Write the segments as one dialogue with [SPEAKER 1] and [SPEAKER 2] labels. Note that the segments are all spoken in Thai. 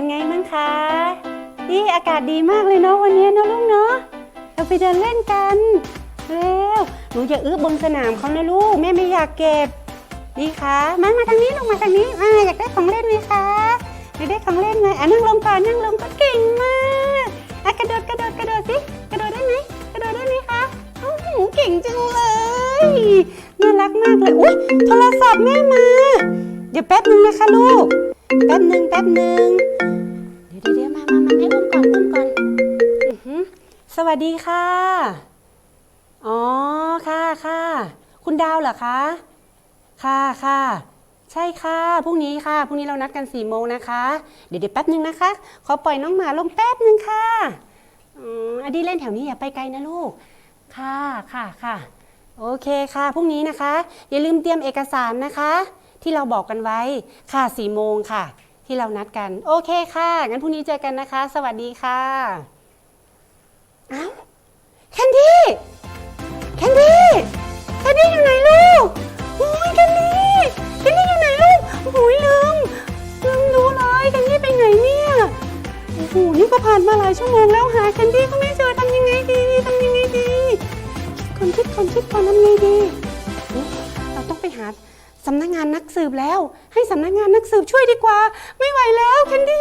[SPEAKER 1] ไงมั้งคะนี่อากาศดีมากเลยเนาะวันนี้เนาะลูกเนาะเราไปเดินเล่นกันเร็วหนูอย่าบนสนามเขานะลูกแม่ไม่อยากเก็บนี่คะมาทางนี้ลงมาทางนี้อยากได้ของเล่นไหมคะอยากได้ของเล่นไหมนั่งลงก่อนนั่งลงก็เก่งมากกระโดดสิกระโดดได้ไหมกระโดดได้ไหมคะโอ้โหเก่งจังเลยน่ารักมากเลยอุ๊ยโทรศัพท์แม่มาเดี๋ยวแป๊บนึงนะคะลูกแป๊บนึงเดี๋ยวมาให้อุ้มก่อนสวัสดีค่ะอ๋อค่ะคุณดาวเหรอคะค่ะใช่ค่ะพรุ่งนี้เรานัดกัน4 โมงนะคะเดี๋ยวแป๊บนึงนะคะขอปล่อยน้องหมาลงแป๊บนึงค่ะอดีเล่นแถวนี้อย่าไปไกลนะลูกค่ะโอเคค่ะพรุ่งนี้นะคะอย่าลืมเตรียมเอกสารนะคะที่เราบอกกันไว้ค่ะ4 โมงค่ะที่เรานัดกันโอเคค่ะงั้นพรุ่งนี้เจอกันนะคะสวัสดีค่ะอ้าวแคนดี้อยู่ไหนลูกโอ้ยแคนดี้อยู่ไหนลูกโอ้ยลืมดูเลยแคนดี้ไปไหนเนี่ยโอ้โหนี่ก็ผ่านมาหลายชั่วโมงแล้วหาแคนดี้ก็ไม่เจอทำยังไงดีคิดก่อนทำไงดีเราต้องไปหาสำนักงานนักสืบแล้วให้สำนักงานนักสืบช่วยดีกว่าไม่ไหวแล้วแคนดี้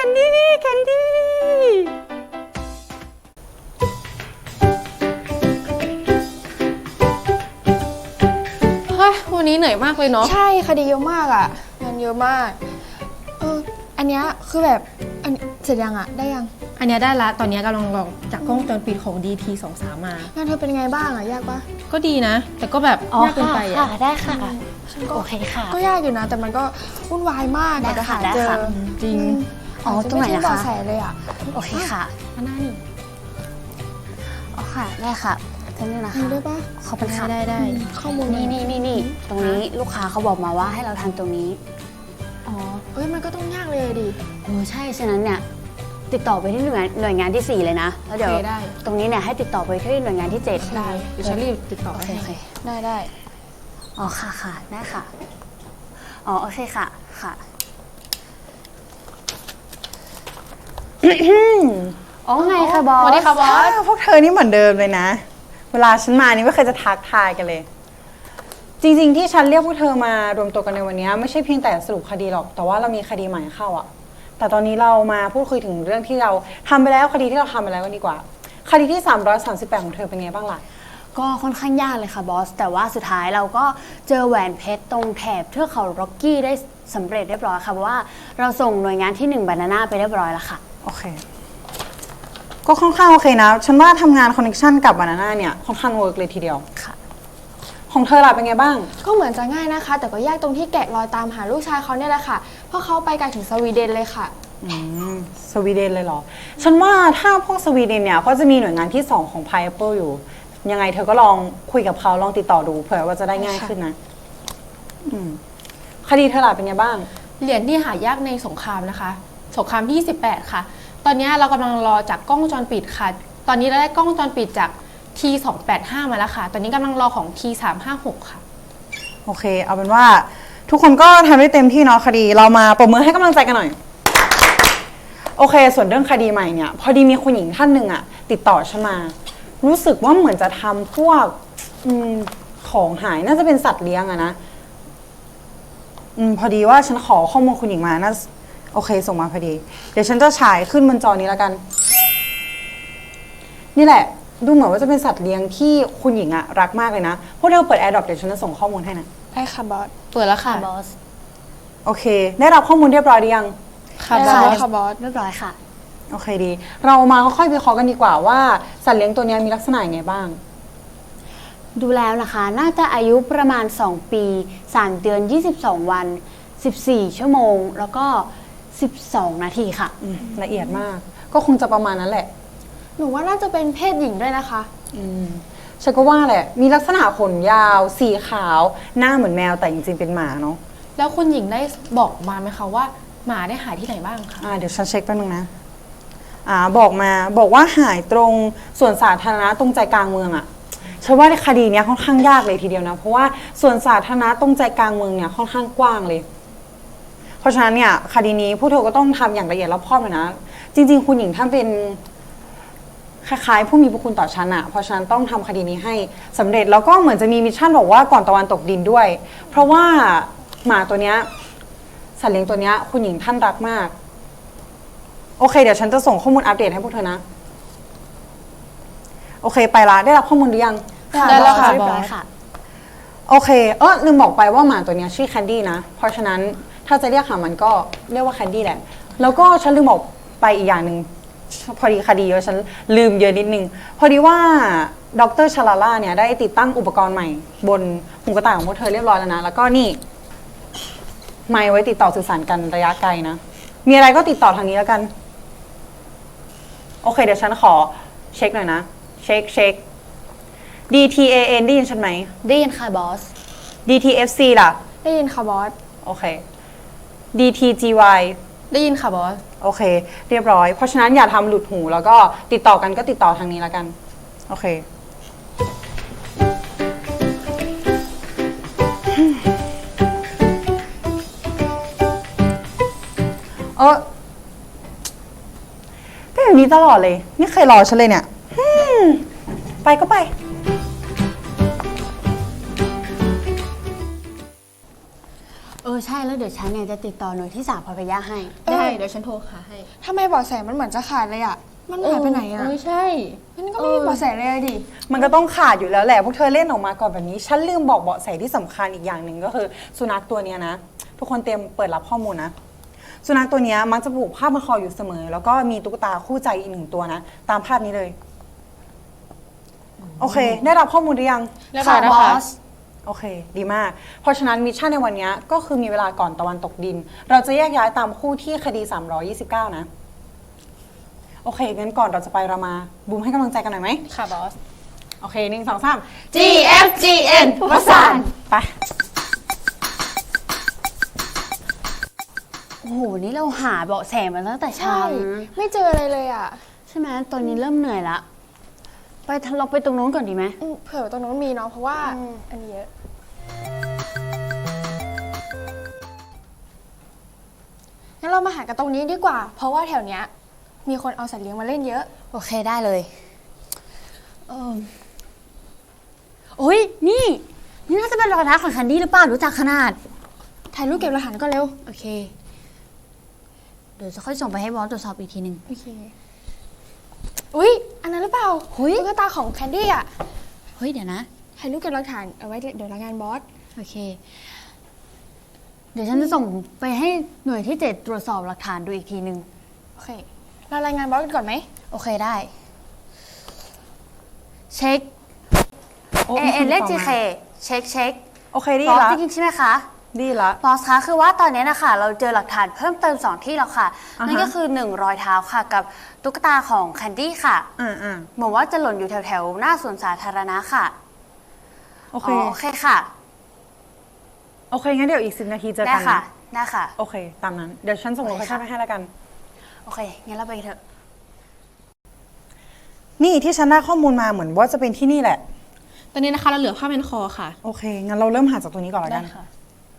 [SPEAKER 2] วันนี้เหนื่อยมากเลยเนาะ
[SPEAKER 3] ใช่คดีเยอะมากอ่ะงานเยอะมากอันเนี้ยคือแบบเสร็จยังอ่ะได้ยัง
[SPEAKER 2] อันนี้ได้ละตอนนี้กำลังลองจากกล้องวงจรปิดของ DT23 มาง
[SPEAKER 3] านเธอเป็นไงบ้างอ่ะยากปะ
[SPEAKER 2] ก็ดีนะแต่ก็แบบยากเกินไปอ่ะ
[SPEAKER 1] ได้ค่ะ
[SPEAKER 3] โอเคค่ะก็ยากอยู่นะแต่มันก็วุ่นวายมากกว่าจะหาเจอ
[SPEAKER 2] จริง
[SPEAKER 1] ตรงไหนนะคะ
[SPEAKER 3] ใส่เลยอ่ะ
[SPEAKER 1] โอเคค่ะ
[SPEAKER 2] หน้านี่
[SPEAKER 1] ค่ะได้ค่ะท่านนี้นะคะ
[SPEAKER 3] ได้ปะ
[SPEAKER 1] ขอบคุณค่ะ
[SPEAKER 2] ได้
[SPEAKER 1] ข้อมูลนี่ตรงนี้ลูกค้าเขาบอกมาว่าให้เราทำตรงนี้
[SPEAKER 3] มันก็ต้องยากเลยดิ
[SPEAKER 1] ใช่ฉะนั้นเนี่ยติดต่อไปที่หน่วยงานที่4เลยนะแล้วเดี๋ยวตรงนี้เนี่ยให้ติดต่อไปที่หน่วยงานที่7
[SPEAKER 3] ได้
[SPEAKER 2] เดี๋ยวฉันรีบติดต่อให้
[SPEAKER 3] ได้
[SPEAKER 1] ค่ะได้ค่ะโอเคค่ะไงคะบอส
[SPEAKER 2] สวัสดีค่ะบอส
[SPEAKER 4] พวกเธอนี่เหมือนเดิมเลยนะเวลาฉันมานี่ไม่เคยจะทักทายกันเลยจริงๆที่ฉันเรียกพวกเธอมารวมตัวกันในวันนี้ไม่ใช่เพียงแต่สรุปคดีหรอกแต่ว่าเรามีคดีใหม่เข้าอ่ะแต่ตอนนี้เรามาพูดคุยถึงเรื่องที่เราทำไปแล้วคดีที่เราทำไปแล้วกันดีกว่าคดีที่338ของเธอเป็นไงบ้างล่ะ
[SPEAKER 1] ก็ค่อนข้างยากเลยค่ะบอสแต่ว่าสุดท้ายเราก็เจอแหวนเพชรตรงแถบเทือกเขาร็อกกี้ได้สำเร็จเรียบร้อยค่ะเพราะว่าเราส่งหน่วยงานที่1 บานาน่าไปเรียบร้อยแล้วค่ะ
[SPEAKER 4] โอเคก็ค่อนข้างโอเคนะฉันว่าทำงานคอนเนคชั่นกับบานาน่าเนี่ยค่อนข้างเวิร์กเลยทีเดียว
[SPEAKER 1] ค่ะ
[SPEAKER 4] ของเธอล่ะเป็นไงบ้าง
[SPEAKER 3] ก็เหมือนจะง่ายนะคะแต่ก็ยากตรงที่แกะรอยตามหาลูกชายเขาเนี่ยแหละค่ะเพราะเขาไปไกลถึงสวีเดนเลยค่ะ
[SPEAKER 4] สวีเดนเลยเหรอฉันว่าถ้าพวกสวีเดนเนี่ยก็จะมีหน่วยงานที่2ของ Pineapple อยู่ยังไงเธอก็ลองคุยกับเขาลองติดต่อดูเผื่อว่าจะได้ง่ายขึ้นนะคดีเธอล่ะเป็นไงบ้าง
[SPEAKER 2] เหรียญที่หายากในสงครามนะคะสงครามที่28ค่ะตอนนี้เรากำลังรอจากกล้องวงจรปิดค่ะตอนนี้เราได้กล้องวงจรปิดจาก T285 มาแล้วค่ะตอนนี้กำลังรอของ T356 ค่ะ
[SPEAKER 4] โอเคเอาเป็นว่าทุกคนก็ทำได้เต็มที่เนาะคดีเรามาปรบมือให้กำลังใจกันหน่อยโอเคส่วนเรื่องคดีใหม่เนี่ยพอดีมีคุณหญิงท่านหนึ่งอะติดต่อฉันมารู้สึกว่าเหมือนจะทำพวกของหายน่าจะเป็นสัตว์เลี้ยงอะนะพอดีว่าฉันขอข้อมูลคุณหญิงมาน่าโอเคส่งมาพอดีเดี๋ยวฉันจะฉายขึ้นบนจอนี้แล้วกันนี่แหละดูเหมือนว่าจะเป็นสัตว์เลี้ยงที่คุณหญิงอะรักมากเลยนะพวกเธอเปิด AirDrop เดี๋ยวฉันจะส่งข้อมูลให้นะ
[SPEAKER 3] ได้ค่ะบอส
[SPEAKER 2] เปิดแล้วค่ะ
[SPEAKER 1] บอส
[SPEAKER 4] โอเคได้รับข้อมูลเรียบร้อยหรือยัง
[SPEAKER 3] ค่ะบอสค่ะบอส
[SPEAKER 1] เรียบร้อยค่ะ
[SPEAKER 4] โอเคดีเรามาค่อยๆวิเคราะห์กันดีกว่าว่าสัตว์เลี้ยงตัวนี้มีลักษณะยังไงบ้าง
[SPEAKER 1] ดูแล้วนะคะน่าจะอายุประมาณ2 ปี3 เดือน22 วัน14 ชั่วโมงแล้วก็12 นาทีค่ะ
[SPEAKER 4] ละเอียดมากก็คงจะประมาณนั้นแหละ
[SPEAKER 3] หนูว่าน่าจะเป็นเพศหญิงด้วยนะคะ
[SPEAKER 4] ฉันก็ว่าแหละมีลักษณะขนยาวสีขาวหน้าเหมือนแมวแต่จริงๆเป็นหมาเนาะ
[SPEAKER 2] แล้วคุณหญิงได้บอกมาไหมคะว่าหมาได้หายที่ไหนบ้างคะ
[SPEAKER 4] เดี๋ยวฉันเช็คแป๊บนึงนะบอกว่าหายตรงส่วนสาธารณะตรงใจกลางเมืองอะฉันว่าคดีนี้ค่อนข้างยากเลยทีเดียวนะเพราะว่าส่วนสาธารณะตรงใจกลางเมืองเนี่ยค่อนข้างกว้างเลยเพราะฉะนั้นเนี่ยคดีนี้ผู้เธอก็ต้องทำอย่างละเอียดรอบคอบเลยนะ จริงๆคุณหญิงท่านเป็นคล้ายๆผู้มีพระคุณต่อฉันอะเพราะฉะนั้นต้องทำคดีนี้ให้สำเร็จแล้วก็เหมือนจะมีมิชชั่นบอกว่าก่อนตะวันตกดินด้วย เพราะว่าหมาตัวเนี้ยสัตว์เลี้ยงตัวเนี้ยคุณหญิงท่านรักมากโอเคเดี๋ยวฉันจะส่งข้อมูลอัปเดตให้พวกเธอนะโอเคไปละได้รับข้อมูลหรือยัง
[SPEAKER 2] ได้แล้วค่ะ
[SPEAKER 3] เรีย
[SPEAKER 2] บบ อ
[SPEAKER 3] ร้อย
[SPEAKER 2] ส
[SPEAKER 3] ค่ะ
[SPEAKER 4] โอเคลืมบอกไปว่าหมาตัวเนี้ยชื่อแคนดี้นะเพราะฉะนั้นถ้าจะเรียกหามันก็เรียกว่าแคนดี้แหละแล้วก็ฉันลืมบอกไปอีกอย่างหนึ่งพอดีคดีเยอะฉันลืมเยอะนิดนึงพอดีว่าดรชลาล่าเนี่ยได้ติดตั้งอุปกรณ์ใหม่บนหูกระต่ายของพวกเธอเรียบร้อยแล้วนะแล้วก็นี่ไมค์ไว้ติดต่อสื่อสารกันระยะไกลนะมีอะไรก็ติดต่อทางนี้แล้วกันโอเคเดี๋ยวฉันขอเช็คหน่อยนะเช็ค DTAN ได้ยินฉันไหม
[SPEAKER 3] ได้ยินค่ะบอส
[SPEAKER 4] DTFC ล่ะ
[SPEAKER 3] ได้ยินค่ะบอส
[SPEAKER 4] โอเค DTGY
[SPEAKER 2] ได้ยินค่ะบอส
[SPEAKER 4] โอเค เรียบร้อย เพราะฉะนั้นอย่าทำหลุดหูแล้วก็ติดต่อกันก็ติดต่อทางนี้แล้วกัน โอเค เป็นแบบนี้ตลอดเลย ไม่เคยรอฉันเลยเนี่ย ไปก็ไป
[SPEAKER 1] ใช่แล้วเดี๋ยวฉันเนี่ยจะติดต่อหน่วยที่3พพยาให้
[SPEAKER 2] ได้เดี๋ยวฉันโทรหาให้
[SPEAKER 3] ทำไมเบาะแสมันเหมือนจะขาดเลยอะมันหายไปไหนอะ
[SPEAKER 2] ใช่
[SPEAKER 3] มันก็ไม่มีเบาะแสเลยอะดิ
[SPEAKER 4] มันก็ต้องขาดอยู่แล้วแหละ พวกเธอเล่นออกมาก่อนแบบนี้ ฉันลืมบอกเบาะแสที่สำคัญอีกอย่างหนึ่งก็คือสุนัขตัวเนี้ยนะ ทุกคนเตรียมเปิดรับข้อมูลนะ สุนัขตัวเนี้ยมักจะผูกผ้าพันคออยู่เสมอ แล้วก็มีตุ๊กตาคู่ใจอีก1ตัวนะ ตามภาพนี้เลย โอเค ได้รับข้อมูลหรือยัง
[SPEAKER 2] เรียบร้อยนะคะ
[SPEAKER 4] โอเค ดีมาก เพราะฉะนั้นมิชชั่นในวันนี้ก็คือมีเวลาก่อนตะวันตกดิน เราจะแยกย้ายตามคู่ที่คดี 329 นะ โอเค งั้นก่อนเราจะไปเรามาบูมให้กำลังใจกันหน่อยไหม
[SPEAKER 2] ค่ะบอส
[SPEAKER 4] โอเค1 2 3
[SPEAKER 3] GFGN
[SPEAKER 4] วสานไป
[SPEAKER 1] โอ้โห นี่เราหาเบาะแสมาตั้งแต่เช้า
[SPEAKER 3] ใช่
[SPEAKER 1] นะ
[SPEAKER 3] ไม่เจออะไรเลยอะ
[SPEAKER 1] ใช่ไหมตอนนี้เริ่มเหนื่อยละเราไปตรงนู้นก่อนดีไหม
[SPEAKER 3] เผื่อตรงนู้นมีเนาะเพราะว่าอันนี้เยอะงั้นเรามาหากันตรงนี้ดีกว่า เพราะว่าแถวเนี้ยมีคนเอาสัตว์เลี้ยงมาเล่นเยอะ
[SPEAKER 1] โอเคได้เลยโอ้ยนี่น่าจะเป็นรอยเท้าของแคนดี้หรือเปล่ารู้จักขนาด
[SPEAKER 3] ถ่ายรูปเก็บหลักฐานก็เร็ว
[SPEAKER 1] โอเค เดี๋ยวจะค่อยส่งไปให้บอสตรวจสอบอีกทีหนึ่ง
[SPEAKER 3] โอเค อุ๊ย อันนั้นหรือเปล่า
[SPEAKER 1] เฮ้ย
[SPEAKER 3] ตุ๊กตาของแคนดี้อะ
[SPEAKER 1] เฮ้ยเดี๋ยวนะ
[SPEAKER 3] ถ่ายรูปเก็บหลักฐานเอาไว้เดี๋ยวรายงานบอส
[SPEAKER 1] โอเค เดี๋ยวฉันจะส่งไปให้หน่วยที่7ตรวจสอบหลักฐานดูอีกทีหนึ่ง
[SPEAKER 3] โอเค เรารายงานบอสกันก่อนไหม
[SPEAKER 1] โอเคได้ เช็ค
[SPEAKER 4] โอ้
[SPEAKER 1] เอเลข
[SPEAKER 4] มี
[SPEAKER 1] จี
[SPEAKER 4] คน
[SPEAKER 1] เค
[SPEAKER 4] ต่อมา
[SPEAKER 1] เช็ค
[SPEAKER 4] โอเคดี
[SPEAKER 1] บอส
[SPEAKER 4] ละ
[SPEAKER 1] จริงๆใช่ไหมคะ
[SPEAKER 4] ดีละ
[SPEAKER 1] บอสคะคือว่าตอนนี้นะคะเราเจอหลักฐานเพิ่มเติม2ที่แล้วค่ะ
[SPEAKER 4] อ่าฮะ
[SPEAKER 1] นั่นก็คือ1รอยเท้าค่ะกับตุ๊กตาของแคนดี้ค่ะ เหมือนว่าจะหล่นอยู่แถวๆหน้าสวนสาธารณะค่ะ
[SPEAKER 4] โอเค
[SPEAKER 1] โอเคค่ะ
[SPEAKER 4] โอเค งั้นเดี๋ยวอีก10 นาทีเจอ
[SPEAKER 1] ได้
[SPEAKER 4] กัน
[SPEAKER 1] ค่ะ
[SPEAKER 4] นะ
[SPEAKER 1] ได้ค่ะ
[SPEAKER 4] โอเค ตามนั้น เดี๋ยวฉันส่งโลเคชั่นไปให้แล้วกัน
[SPEAKER 1] โอเค งั้นเราไปกันเถอะ
[SPEAKER 4] นี่ที่ฉันได้ข้อมูลมาเหมือนว่าจะเป็นที่นี่แหละ
[SPEAKER 2] ตอนนี้นะคะเราเหลือผ้าเป็นคอค่ะ
[SPEAKER 4] โอเค งั้นเราเริ่มหาจากตัวนี้ก่อนแล้ว
[SPEAKER 2] ได้
[SPEAKER 4] กัน
[SPEAKER 2] ค่ะ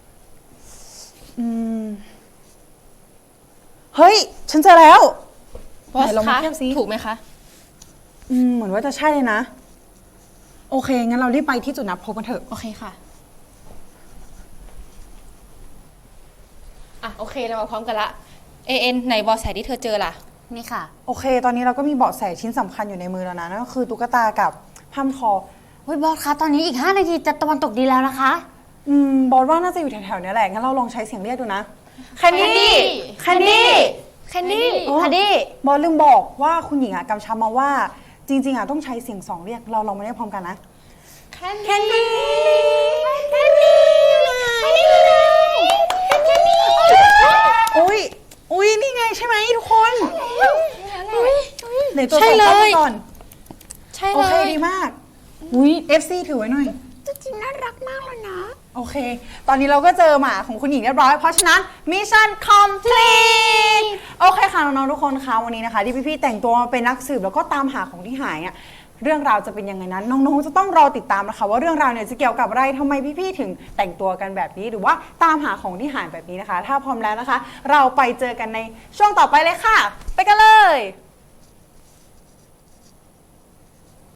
[SPEAKER 4] เฮ้ย ฉันเจอแล้ว
[SPEAKER 2] บอส
[SPEAKER 4] ไหนลองมา
[SPEAKER 2] คะ
[SPEAKER 4] เทียบสิ
[SPEAKER 2] ถูกไหมคะ
[SPEAKER 4] เหมือนว่าจะใช่เลยนะ โอเค งั้นเรารีบไปที่จุดนัดพบกันเถอะ
[SPEAKER 2] โอเคค่ะ อ่ะ โอเค เรามาพร้อมกันละ AN ไหนบอสแสที่เธอเจอล่ะ
[SPEAKER 1] นี่ค่ะ
[SPEAKER 4] โอเค ตอนนี้เราก็มีเบาะแสชิ้นสำคัญอยู่ในมือแล้วนะ นั่นก็คือตุ๊กตากับผ้าพันคอ
[SPEAKER 1] เฮ้ยบอสคะ ตอนนี้อีก5นาทีจะตะวันตกดีแล้วนะคะ
[SPEAKER 4] บอสว่าน่าจะอยู่แถวๆเนี้ยแหละ งั้นเราลองใช้เสียงเรียกดูนะ แคนดี้ แคนดี้
[SPEAKER 3] แคนดี้
[SPEAKER 4] โอ้
[SPEAKER 1] แคนดี้
[SPEAKER 4] บอสลืมบอกว่าคุณหญิงกำชับมาว่า จริงๆต้องใช้เสียง2เรียก เราลองมาเรียกพร้อมกันนะ
[SPEAKER 3] แคนดี้
[SPEAKER 4] อุ้ยนี่ไงใช่ไหมทุกคนไหนตัว
[SPEAKER 2] ใช่
[SPEAKER 4] ใส่
[SPEAKER 2] เลย
[SPEAKER 4] เข้ามาก่อน
[SPEAKER 3] ใช่
[SPEAKER 4] โอ
[SPEAKER 3] เล
[SPEAKER 4] เค
[SPEAKER 3] ย
[SPEAKER 4] ดีมาก อุ้ย FC ถือไว้หน่อย
[SPEAKER 3] จริงๆน่ารักมากเลยนะ
[SPEAKER 4] โอเค ตอนนี้เราก็เจอหมาของคุณหญิงเรียบร้อย เพราะฉะนั้นมิชชั่นคอมพลีทโอเคค่ะน้องๆทุกคนคะวันนี้นะคะที่พี่ๆแต่งตัวมาเป็นนักสืบแล้วก็ตามหาของที่หายอ่ะเรื่องราวจะเป็นยังไงนั้นน้องๆจะต้องรอติดตามนะคะว่าเรื่องราวเนี่ยจะเกี่ยวกับอะไรทำไมพี่ๆถึงแต่งตัวกันแบบนี้หรือว่าตามหาของที่หายแบบนี้นะคะถ้าพร้อมแล้วนะคะ เราไปเจอกันในช่วงต่อไปเลยค่ะไปกันเลย